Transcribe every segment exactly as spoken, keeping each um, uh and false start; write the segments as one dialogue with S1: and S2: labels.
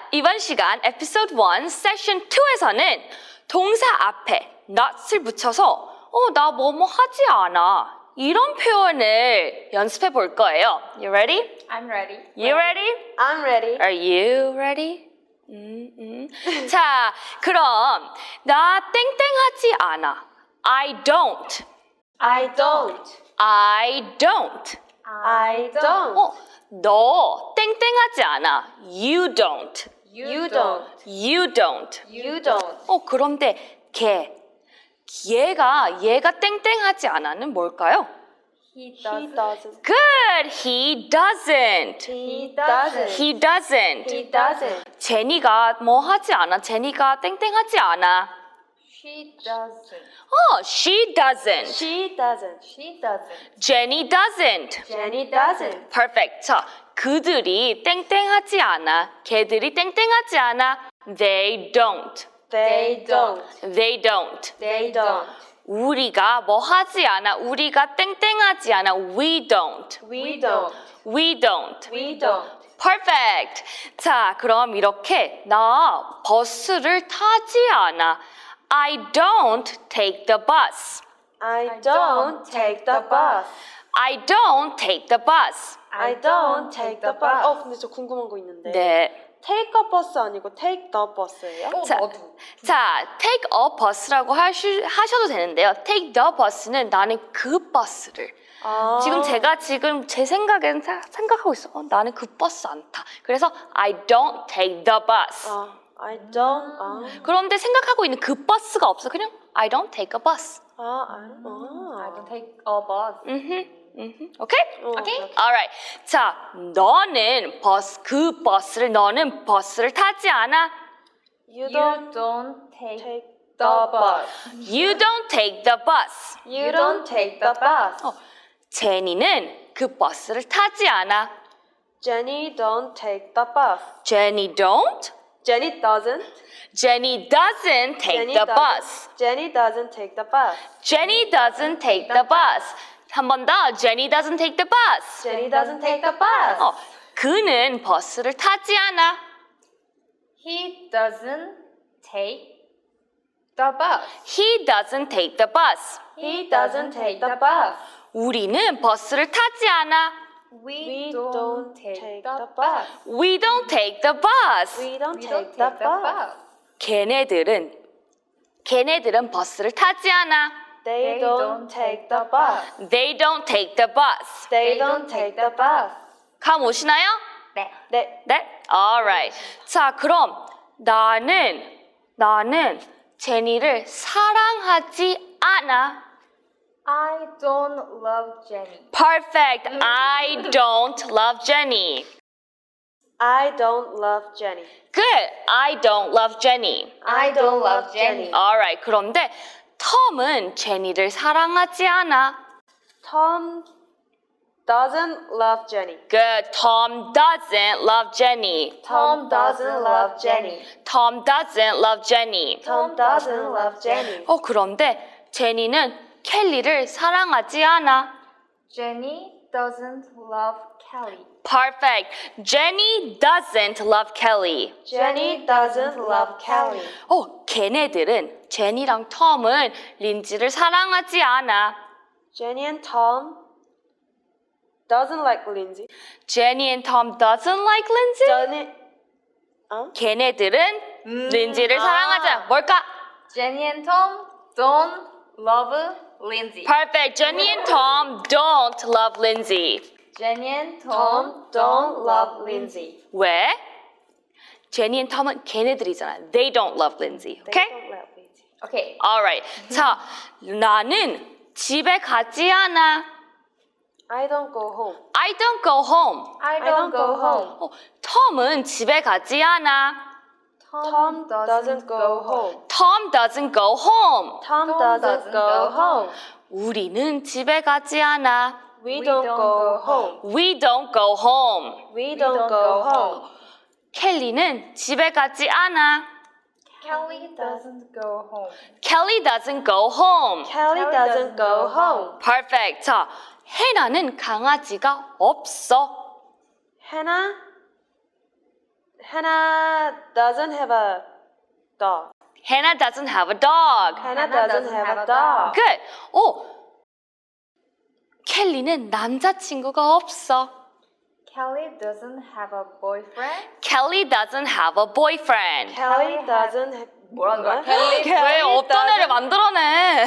S1: 이번 시간 에피소드 일 세션 이에서는 동사 앞에 not을 붙여서 어, 나 뭐뭐 하지 않아 이런 표현을 연습해 볼 거예요. You ready?
S2: I'm ready.
S1: You ready?
S3: I'm ready.
S1: Are you ready? 음, 음. 자, 그럼 나 땡땡하지 않아. I don't.
S3: I don't.
S1: I don't.
S3: I don't.
S1: 어, 너 땡땡하지 않아. You don't.
S3: You don't.
S1: You don't.
S3: You don't.
S1: 어, 그런데 걔, 얘가 얘가 땡땡하지 않아는 뭘까요?
S2: He
S3: He
S2: doesn't.
S3: doesn't.
S1: Good. He doesn't.
S3: He doesn't.
S1: He doesn't.
S3: He doesn't.
S1: 제니가 뭐 하지 않아. 제니가 땡땡하지 않아.
S2: She doesn't.
S1: 어, she doesn't.
S3: She doesn't.
S2: She doesn't.
S1: Jenny doesn't.
S3: Jenny doesn't.
S1: Perfect. 자, 그들이 땡땡하지 않아. 걔들이 땡땡하지 않아. They don't.
S3: They don't.
S1: They don't.
S3: They don't.
S1: 우리가 뭐 하지 않아. 우리가 땡땡하지 않아. We don't.
S3: We don't.
S1: We don't.
S3: We don't.
S1: Perfect. 자, 그럼 이렇게 나 버스를 타지 않아. I don't take the bus.
S3: I don't take the bus.
S1: I don't take the bus.
S3: I don't take the bus. 어, 근데 저 궁금한 거 있는데.
S1: 네.
S3: Take a bus 아니고 take the bus예요?
S2: 어,
S1: 자,
S2: 너도.
S1: 자, take a bus라고 하시, 하셔도 되는데요. take the bus는 나는 그 버스를.
S3: 아.
S1: 지금 제가 지금 제 생각엔 사- 생각하고 있어. 어, 나는 그 버스 안 타. 그래서 I don't take the bus.
S3: 아, I don't. 아,
S1: 그런데 생각하고 있는 그 버스가 없어. 그냥 I don't take a bus.
S3: 아, 아.
S2: I don't take a bus.
S1: 음흠. 음흠. 오케이?
S3: 어,
S2: 오케이?
S1: Alright. 자, 너는 버스 그 버스를 너는 버스를 타지 않아.
S3: You
S2: You
S3: don't
S2: don't take
S3: take
S2: the
S3: the
S2: bus.
S3: bus.
S1: You don't take the bus.
S3: You don't take the bus.
S1: 어, 제니는 그 버스를 타지 않아.
S3: Jenny don't take the bus.
S1: Jenny don't.
S3: Jenny doesn't.
S1: Jenny doesn't take
S3: Jenny
S1: the
S3: doesn't.
S1: bus.
S3: Jenny doesn't take the bus.
S1: Jenny doesn't take the bus. 한 번 더. Jenny doesn't take the bus.
S3: Jenny doesn't take the bus.
S1: 어, 그는 버스를 타지 않아.
S2: He doesn't take the bus.
S1: He doesn't take the bus.
S3: He doesn't take the bus.
S1: 우리는 버스를 타지 않아.
S2: We,
S3: We
S2: don't,
S3: don't
S2: take,
S3: take
S2: the
S3: the
S2: bus.
S1: We don't take the bus.
S3: We don't
S2: We
S3: take
S2: don't
S3: the
S2: take the
S3: bus.
S2: bus.
S1: 걔네들은 걔네들은 버스를 타지 않아.
S3: They don't take the bus.
S1: They don't take the bus.
S3: They don't take the bus.
S1: 감 오시나요?
S2: 네.
S3: 네.
S1: 네? Alright. 자, 그럼 나는 나는 제니를 사랑하지 않아.
S2: I don't love Jenny.
S1: Perfect. I don't love Jenny.
S3: I don't love Jenny.
S1: Good. I don't love Jenny.
S3: I don't love Jenny.
S1: Alright. 그런데 톰은 제니를 사랑하지 않아.
S3: Tom doesn't love Jenny.
S1: Good. Tom doesn't love Jenny.
S3: Tom doesn't love Jenny.
S1: Tom doesn't love Jenny.
S3: Tom doesn't love Jenny.
S1: 어, 그런데 제니는 켈리를 사랑하지 않아.
S2: Jenny doesn't love Kelly.
S1: Perfect. Jenny doesn't love Kelly.
S3: Jenny doesn't love Kelly.
S1: 어, 걔네들은 제니랑 톰은 린지를 사랑하지 않아.
S3: Jenny and Tom doesn't like Lindsay.
S1: Jenny and Tom doesn't like Lindsay.
S3: Jenny, 어?
S1: 걔네들은
S2: 음,
S1: 린지를
S2: 아.
S1: 사랑하지 않아. 뭘까?
S2: Jenny and Tom don't love Lindsay.
S1: Perfect. Jenny and Tom don't love Lindsay.
S2: Jenny and
S3: Tom
S2: Tom
S3: don't love Lindsay.
S1: 왜? 제니 and 톰은 걔네들이잖아. They don't love Lindsay.
S3: They
S1: Okay?
S3: don't love Lindsay.
S2: Okay.
S1: Alright. 자, 나는 집에 가지 않아.
S3: I don't go home.
S1: I don't go home.
S2: I don't go home.
S1: 어, 톰은 집에 가지 않아.
S3: Tom doesn't go home.
S1: Tom doesn't go home.
S3: Tom
S2: Tom
S3: doesn't
S2: doesn't
S3: go
S2: go
S3: home.
S1: 우리는 집에 가지 않아.
S3: We don't go home.
S1: We don't go home.
S3: We don't go home.
S1: 켈리는 집에 가지 않아.
S2: Kelly doesn't go home.
S1: Kelly doesn't go home.
S3: Kelly doesn't go home.
S1: Perfect. 자, 해나는 강아지가 없어.
S3: Hannah Hannah doesn't have a dog.
S1: Hannah doesn't have a dog.
S3: Hannah doesn't have a dog.
S1: Good. 어, 켈리는 남자친구가 없어.
S2: Kelly doesn't have a boyfriend.
S1: Kelly doesn't have a boyfriend.
S3: Kelly doesn't have
S2: 뭐라는 거야?
S3: Kelly,
S1: 왜 어떤 애를
S3: doesn't-
S1: 만들어내?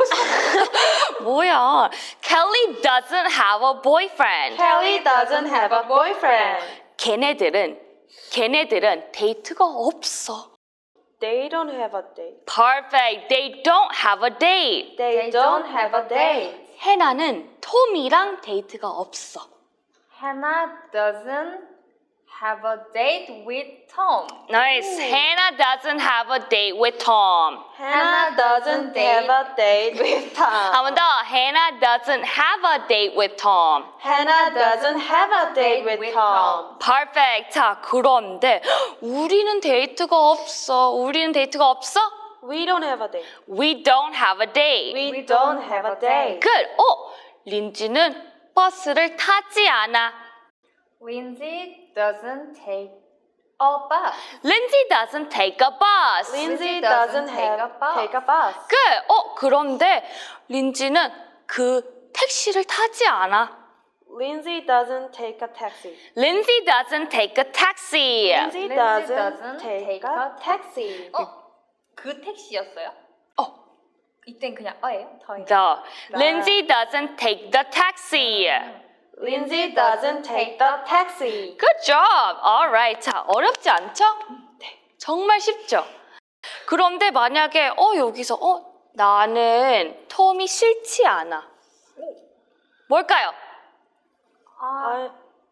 S1: 뭐야? Kelly doesn't have a boyfriend.
S3: Kelly doesn't have a boyfriend.
S1: 걔네들은 걔네들은 데이트가 없어.
S3: They don't have a date.
S1: Perfect. They don't have a date.
S3: They, don't have a date.
S1: 해나는 톰이랑 데이트가 없어.
S2: Hannah doesn't have a date with Tom.
S1: Nice. Hannah doesn't have a date with Tom.
S3: Hannah doesn't have a date with Tom.
S1: 한 번 더. Hannah doesn't have a date with Tom.
S3: Hannah doesn't have a date with Tom.
S1: Perfect. 자, 그런데 우리는 데이트가 없어. 우리는 데이트가 없어?
S3: We don't have a date.
S1: We don't have a date.
S3: We don't have a date.
S1: Good. 어, 린지는 버스를 타지 않아.
S2: Lindsay doesn't take a bus.
S1: Lindsay doesn't take a bus.
S3: Lindsay
S2: doesn't
S3: doesn't
S2: take
S3: have
S2: a bus.
S3: take a bus.
S1: Good. 어, 그런데 린지는 그 택시를 타지 않아.
S3: Lindsay doesn't take a taxi.
S1: Lindsay doesn't take a taxi.
S3: Lindsay
S2: Lindsay
S3: doesn't
S2: doesn't
S3: take
S2: take
S3: a
S2: a
S3: taxi.
S2: 어? 그 택시였어요?
S1: 어,
S2: 이땐 그냥 어예요? 더예요?
S1: the. Lindsay doesn't take the taxi.
S3: Lindsay doesn't take the taxi.
S1: Good job. Alright. 자, 어렵지 않죠? 네. 정말 쉽죠? 그런데 만약에 어 여기서 어 나는 톰이 싫지 않아. 뭘까요?
S2: 아,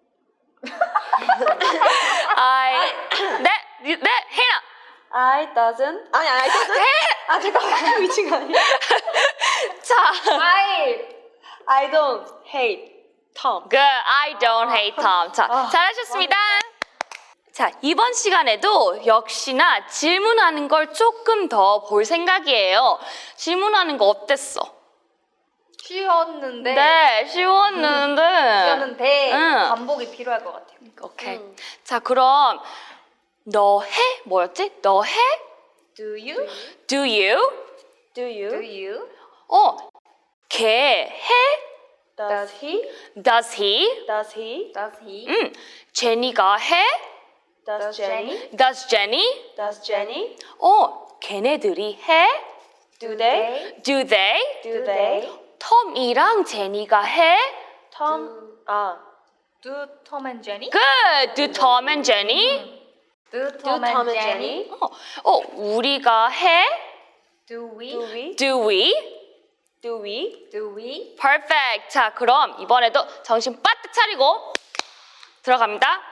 S3: I,
S1: I 네, 네, 해나.
S3: I doesn't. 아니, I doesn't. 아, 잠깐만. 미친 거 아니야?
S1: 자,
S2: I
S3: I don't hate Tom.
S1: good. I don't hate Tom. 자,
S3: 아,
S1: 잘하셨습니다. 자, 이번 시간에도 역시나 질문하는 걸 조금 더 볼 생각이에요. 질문하는 거 어땠어?
S2: 쉬었는데
S1: 네, 쉬웠는데.
S2: 쉬었는데
S1: 응.
S2: 반복이 필요할 것 같아요.
S1: 오케이.
S3: 음.
S1: 자, 그럼 너 해? 뭐였지? 너 해?
S2: Do you?
S1: Do you?
S3: Do you?
S2: Do you?
S1: 어, 걔 해?
S3: Does he?
S1: Does he?
S3: Does he?
S2: Does he?
S1: 음, 제니가 해?
S3: Does
S2: Does
S3: Jenny?
S1: Does Jenny?
S3: Does Jenny?
S1: 어, 걔네들이 해?
S3: Do they?
S1: Do they?
S3: Do they?
S1: 톰이랑 제니가 해?
S3: Tom. 아.
S2: Do Tom and Jenny?
S1: Good. Do Tom and Jenny?
S2: Do
S3: Do
S2: Tom,
S3: Tom
S2: and
S3: and
S2: Jenny?
S3: Jenny?
S1: 어, 어, 우리가 해?
S2: Do we?
S3: Do we?
S1: Do we?
S3: Do we?
S2: Do we?
S1: Perfect. 자, 그럼 이번에도 정신 바짝 차리고 들어갑니다.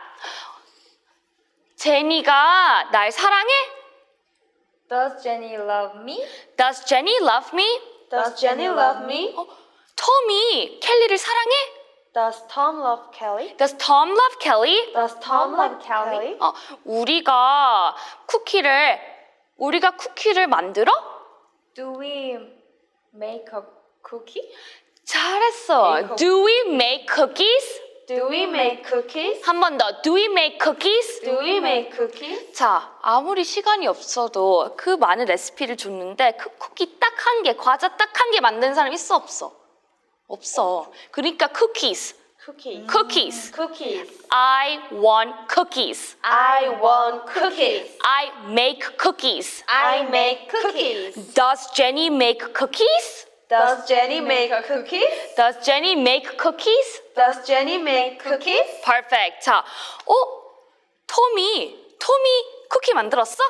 S1: 제니가 날 사랑해?
S2: Does Jenny love me?
S1: Does Jenny love me?
S3: Does Jenny love me?
S1: 어, 톰이 켈리를 사랑해?
S3: Does Tom love Kelly?
S1: Does Tom love Kelly?
S3: Does Tom love
S2: love Kelly?
S3: Kelly?
S1: 어, 우리가 쿠키를 우리가 쿠키를 만들어?
S2: Do we make a cookie?
S1: 잘했어.
S2: Make
S1: Do we make cookies?
S3: Do we make cookies?
S1: 한 번 더. Do we make cookies?
S3: Do we make cookies?
S1: 자, 아무리 시간이 없어도 그 많은 레시피를 줬는데 그 쿠키 딱 한 개, 과자 딱 한 개 만든 사람 있어 없어? 없어. 그러니까 cookies.
S3: Cookies.
S1: cookies.
S3: Cookies.
S1: I want cookies.
S3: I want cookies.
S1: I make cookies.
S3: I make cookies.
S1: Does Jenny make cookies?
S3: Does Jenny make cookies?
S1: Does Jenny make cookies?
S3: Does Jenny make cookies?
S1: Perfect. 자, 어? 톰이, 톰이 쿠키 만들었어?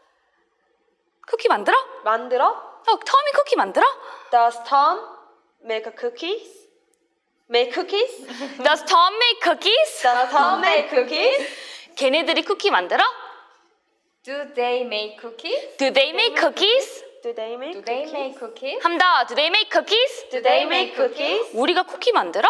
S1: 쿠키 만들어?
S3: 만들어?
S1: 어, 톰이 쿠키 만들어?
S3: Does Tom make cookies? Make cookies?
S1: Does Tom make cookies?
S3: Does Tom make cookies?
S1: 걔네들이 쿠키 만들어?
S2: Do they make cookies?
S1: Do they make cookies?
S3: Do they make
S2: Do they
S3: cookies?
S2: make cookies?
S1: 한 더. Do they make cookies?
S3: Do they make cookies?
S1: 우리가 쿠키 만들어?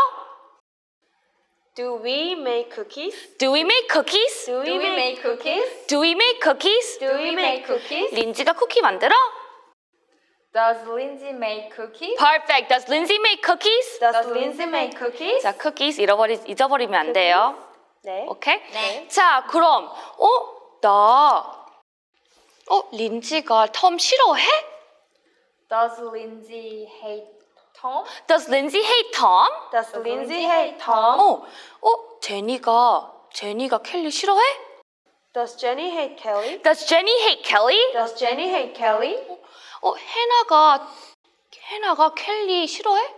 S3: Do we make cookies?
S1: Do we make cookies?
S3: Do
S2: Do we make cookies?
S1: Do we make cookies?
S3: Do we make cookies?
S1: 린지가 쿠키 만들어?
S2: Does Lindsay make cookies?
S1: Perfect. Does Lindsay make cookies?
S3: Does Lindsay make cookies?
S1: 자, cookies 잃어버리, 잊어버리면 안 돼요.
S3: 네.
S1: 오케이?
S2: 네.
S1: 자, 그럼 어? 나, 어, 린지가 톰 싫어해?
S2: Does Lindsay hate Tom?
S1: Does Lindsay hate Tom?
S3: Does
S2: Does
S3: Lindsay
S2: Lindsay
S3: hate
S2: hate
S3: Tom?
S1: 어, 어, 제니가, 제니가 켈리 싫어해?
S3: Does Jenny hate Kelly?
S1: Does Jenny hate Kelly?
S3: Does Jenny hate Kelly?
S1: 어, 해나가, 해나가 켈리 싫어해?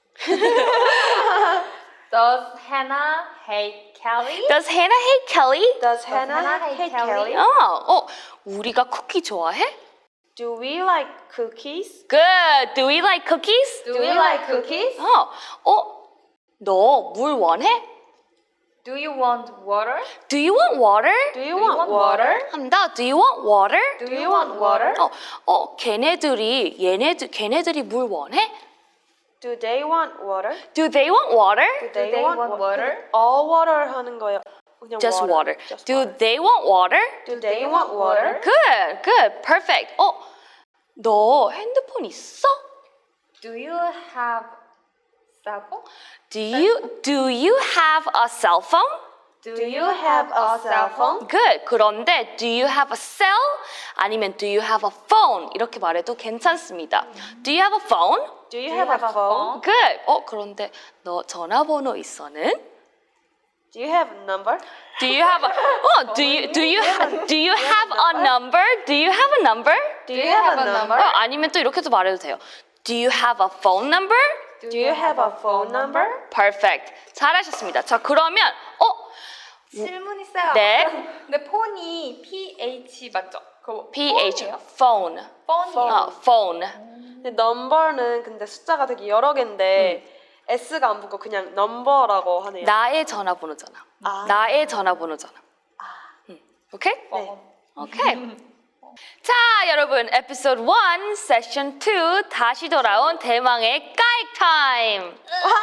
S2: Does Hannah hate Kelly?
S1: Does Hannah hate Kelly?
S3: Does Hannah
S2: Hannah
S3: hate
S2: hate
S3: Kelly?
S2: Kelly?
S1: 어, 어, 우리가 쿠키 좋아해?
S3: Do we like cookies?
S1: Good. Do we like cookies?
S2: Do we like cookies?
S1: 어, 어, 너 물 원해?
S2: Do you want water?
S1: Do you want water?
S3: Do you
S2: Do you
S3: want
S2: want
S3: water?
S2: water?
S1: 한다. Do you want water?
S2: Do
S3: Do you want water?
S1: 어, 어, 걔네들이 얘네들 걔네들이 물 원해?
S3: Do they want water?
S1: Do they want water?
S3: Do
S2: they want water?
S3: All water 하는 거예요. 그냥
S1: Just water.
S3: Just
S1: Do
S3: water.
S1: they want water?
S3: Do they want water?
S1: Good, good, perfect. 어, 너 핸드폰 있어?
S2: Do you have cell phone?
S1: Do you do you have a cell phone?
S2: Do,
S3: Do you have a cell phone?
S1: Good. 그런데 do you have a cell? 아니면 do you have a phone? 이렇게 말해도 괜찮습니다. Do you have a phone?
S3: Do you have a phone?
S1: Good. 어, 그런데 너 전화번호 있어는?
S3: Do you have a number?
S1: Do you have a 어, do you do you ha, do you have a number? Do you have a number?
S3: Do you have a number?
S1: 어, 아니면 또 이렇게도 말해도 돼요. Do you have a phone number?
S3: Do you have a phone number?
S1: Perfect. 잘하셨습니다. 자, 그러면 어,
S2: 질문 있어요.
S1: 네.
S2: 근데 폰이 P-H 맞죠? 그거
S1: P-H
S2: 폰이에요?
S1: phone.
S2: 폰이에요.
S1: 어, phone.
S3: 근데 number는 근데 숫자가 되게 여러 개인데 S가 안 붙고 그냥 number라고 하네요.
S1: 나의 전화번호잖아.
S3: 아.
S1: 나의 전화번호잖아. 음, 오케이?
S3: 네.
S1: 오케이. 자, 여러분, 에피소드 일, 세션 이 다시 돌아온 대망의 까익 타임.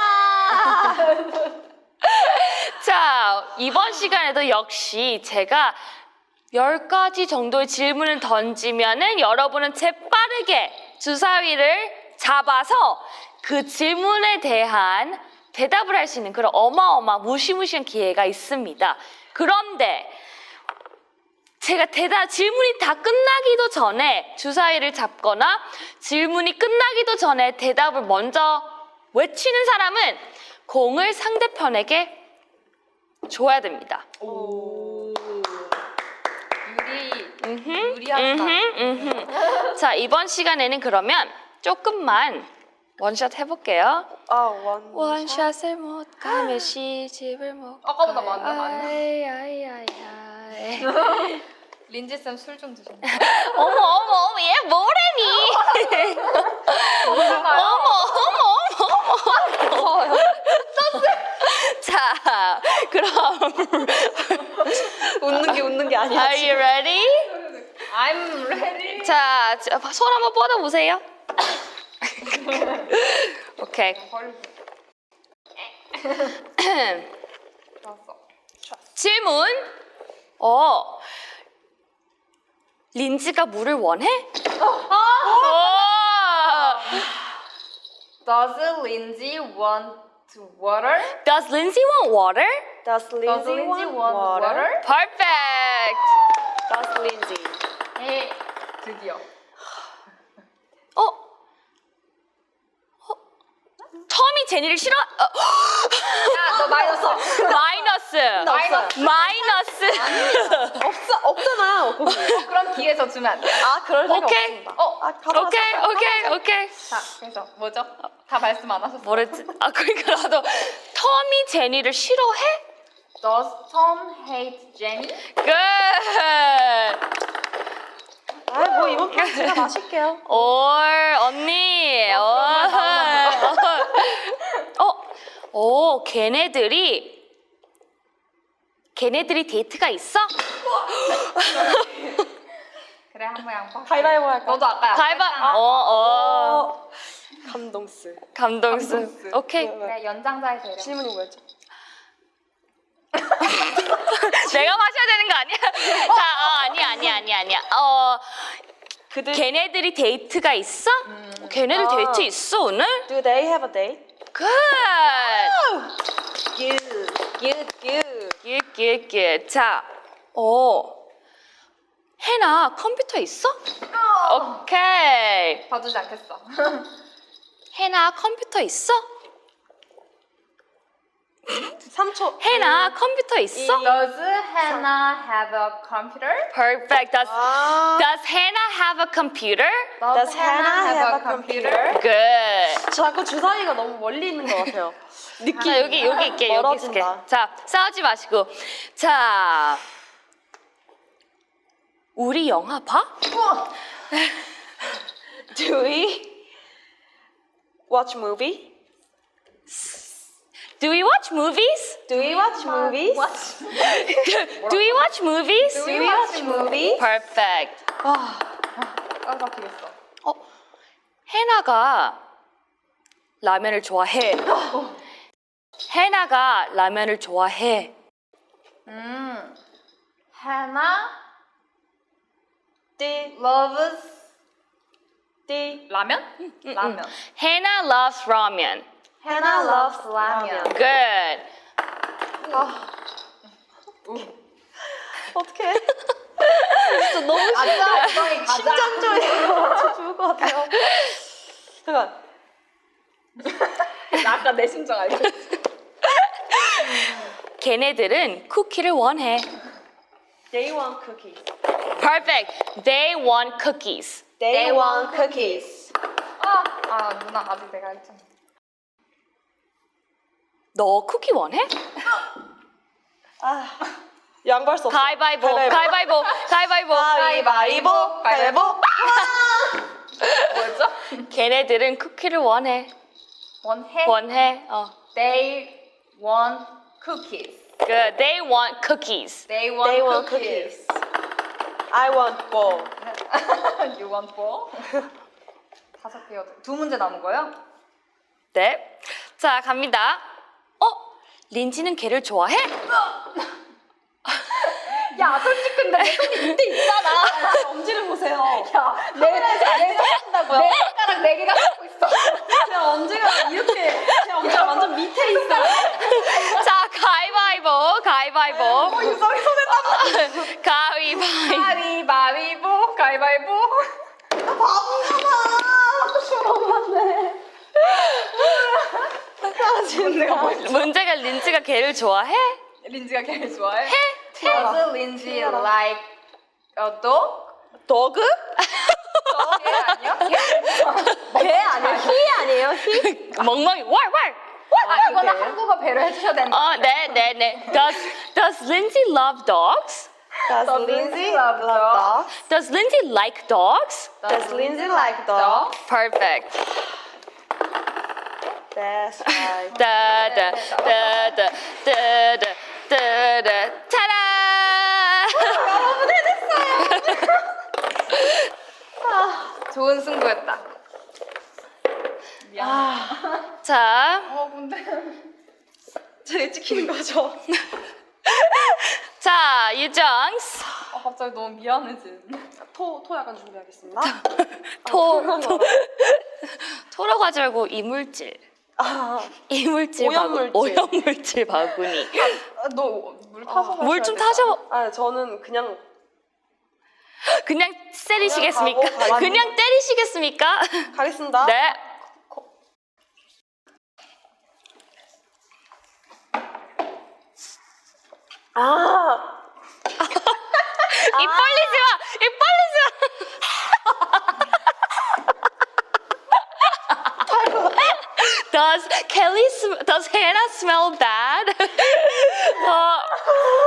S1: 자, 이번 시간에도 역시 제가 열 가지 정도의 질문을 던지면은 여러분은 재빠르게 주사위를 잡아서 그 질문에 대한 대답을 할 수 있는 그런 어마어마 무시무시한 기회가 있습니다. 그런데 제가 대답, 질문이 다 끝나기도 전에 주사위를 잡거나 질문이 끝나기도 전에 대답을 먼저 외치는 사람은 공을 상대편에게 줘야 됩니다.
S2: 오. 유리.
S1: 음흠,
S2: 유리하다.
S1: 음흠, 음흠. 자, 이번 시간에는 그러면 조금만 원샷 해볼게요.
S3: 아, 원.
S1: 원샷을 못 가면 시집을 못
S2: 아까보다
S1: 가요.
S2: 많네, 많네.
S1: 아이, 아이, 아이, 아이.
S2: 린지 쌤 술 좀 드셨나요?
S1: 어머, 어머, 어머, 얘 뭐래니? 어머, 어머, 어머, 어머. 자, 그럼
S3: 웃는 게 웃는 게 아니야.
S1: Are you ready?
S2: I'm ready.
S1: 자, 손 한번 뻗어보세요. 오케이.
S2: 좋았어.
S1: 질문. 어, 린지가 물을 원해? 어.
S2: Does Lindsay want water?
S1: Does Lindsay want water?
S3: Does
S2: Does
S3: Lindsay
S2: Lindsay
S3: want
S2: want
S3: water?
S2: water?
S1: Perfect.
S3: Does Lindsay?
S2: 에 드디어.
S1: 어? 어? 톰이 제니를 싫어? 어.
S2: 야, 너 마이너스.
S1: 마이너스.
S2: 마이너스.
S1: 마이너스.
S3: 없어, 없잖아요. 거기.
S2: 그럼 뒤에서 주면 안 돼.
S3: 아, 그럴 생각
S1: 오케이.
S3: 없습니다.
S2: 어,
S3: 아, 가만
S1: 오케이, 오케이, 오케이.
S2: 자, 그래서 뭐죠? 다 말씀 안 하셨어요.
S1: 뭐랬지? 아, 그러니까 나도 톰이 제니를 싫어해?
S2: Does Tom hate Jenny?
S1: Good.
S3: 아, 뭐 이번 판 제가 마실게요.
S1: 올 언니. 어, 어, 어, 걔네들이 걔네들이 데이트가 있어?
S2: 그래, 한번 양보.
S3: 가위바위보 할까?
S2: 너도 아까 양보.
S1: 가위바. 어, 어.
S3: 어, 감동스.
S1: 감동스.
S2: 감동스.
S1: 오케이.
S3: 네, 네.
S2: 그래, 연장자에서 이래.
S3: 질문이 뭐였죠?
S1: 내가 마셔야 되는 거 아니야? 자, 어, 아니야, 아니야, 아니야, 아니야. 어,
S3: 그들
S1: 걔네들이 데이트가 있어? 걔네들
S3: 아.
S1: 데이트 있어 오늘?
S3: Do they have a date?
S1: Good.
S3: Good, good, good.
S1: Good, good, good. 자, 어, 해나 컴퓨터 있어? 오케이.
S2: 봐주지 않겠어.
S1: 해나 컴퓨터 있어?
S3: 삼 초.
S1: 해나 컴퓨터 있어?
S2: Does Hannah have a computer?
S1: Perfect. Does,
S3: 아.
S1: does Hannah have a computer?
S3: Does Hannah have a computer?
S1: Good.
S3: 자꾸 주사위가 너무 멀리 있는 것 같아요. 느낌.
S1: 자, 여기, 여기 있게, 여기 있을게.
S3: 멀어진다.
S1: 자, 싸우지 마시고. 자, 우리 영화 봐?
S3: Do we watch movie?
S1: Do we watch movies?
S3: Do we watch movies?
S2: What?
S1: Do we watch movies?
S3: Do we watch movie?
S1: Perfect.
S3: 아,
S2: 깜빡이겠어.
S1: 어, 해나가 라면을 좋아해. 해나가 라면을 좋아해.
S2: 음. Hannah
S3: 띠,
S2: loves
S3: 띠.
S2: 라면? 라면.
S1: Hannah loves ramen.
S2: Hannah loves 라면.
S1: Good.
S3: 아, 어떡해. 진짜 너무
S2: 가자, 엉덩이 가자.
S3: 심장조예요. 저 죽을 것 같아요. 잠깐.
S2: 나 아까 내 심정 알지?
S1: 걔네들은 쿠키를 원해.
S3: They want cookies.
S1: Perfect. They want cookies.
S3: They want cookies.
S2: 아, 아 누나 아직 내가 했잖아.
S1: 너 쿠키 원해?
S3: 아, 양보할 수 없어.
S1: 가위바위보. 가위바위보. 가위바위보.
S3: 가위바위보. 가위바위보.
S2: 뭐였죠?
S1: 걔네들은 쿠키를 원해.
S2: 원해.
S1: 원해. 어.
S2: They want cookies.
S1: Good. They want cookies.
S2: They want
S3: They want
S2: cookies.
S3: cookies. I want ball.
S2: You want ball? 다섯 개여. 두 문제 남은 거요?
S1: 네. 자, 갑니다. 어? 린지는 걔를 좋아해?
S2: 야, 솔직히 근데 내 손이 밑에 있잖아.
S3: 엄지를 보세요.
S2: 야, 내, 내,
S3: 한다고요?
S2: 내 손가락 네 개가 갖고 있어.
S3: 제 엄지가 이렇게 제 엄지가 완전 밑에 있어요.
S1: 자, 가위바위보. 가위바위보.
S3: 어, 유성이 손에 땀나.
S1: 가위바위보.
S2: 가위바위보, 가위바위보.
S3: 나 바보잖아. 맞네. 아, 진짜.
S1: 문제가 린지가 걔를 좋아해?
S2: 린지가 걔를 좋아해?
S1: 해?
S2: Does Lindsay like a dog?
S3: 도그?
S2: 걔 아니야?
S3: 배 아니에요? 희 아니에요? 희?
S1: 멍멍이. 왈, 왈.
S2: 아, 이거는 한국어 배려 해주셔야 된다.
S1: 어, 네, 네, 네. Does, does Lindsay love dogs?
S3: Does Lindsay love dogs?
S1: Does Lindsay like dogs?
S3: Does Lindsay like dogs?
S1: Perfect.
S3: That's right.
S1: Da, da, da, da, da, da, da, da. 타라!
S2: 여러분 해냈어요. 좋은 승부였다. 미안.
S3: 아,
S1: 자,
S2: 어, 근데.
S3: 제 찍히는 거죠?
S1: 자, 유정스.
S2: 어, 갑자기 너무 미안해진.
S3: 토, 토 약간 준비하겠습니다.
S1: 토,
S3: 토,
S1: 토. 토라고 하지 말고 이물질.
S3: 아,
S1: 이물질
S3: 오염물질.
S1: 바구, 오염물질 바구니.
S2: 너 물 타서
S1: 물 좀 타셔.
S3: 아, 저는 그냥
S1: 그냥 때리시겠습니까?
S3: 그냥 가고 가고.
S1: 그냥 때리시겠습니까?
S3: 가겠습니다.
S1: 네.
S3: 아,
S1: 입 벌리지 마! 입 벌리지 마! Does Kelly, sm- does Hannah smell bad? 어,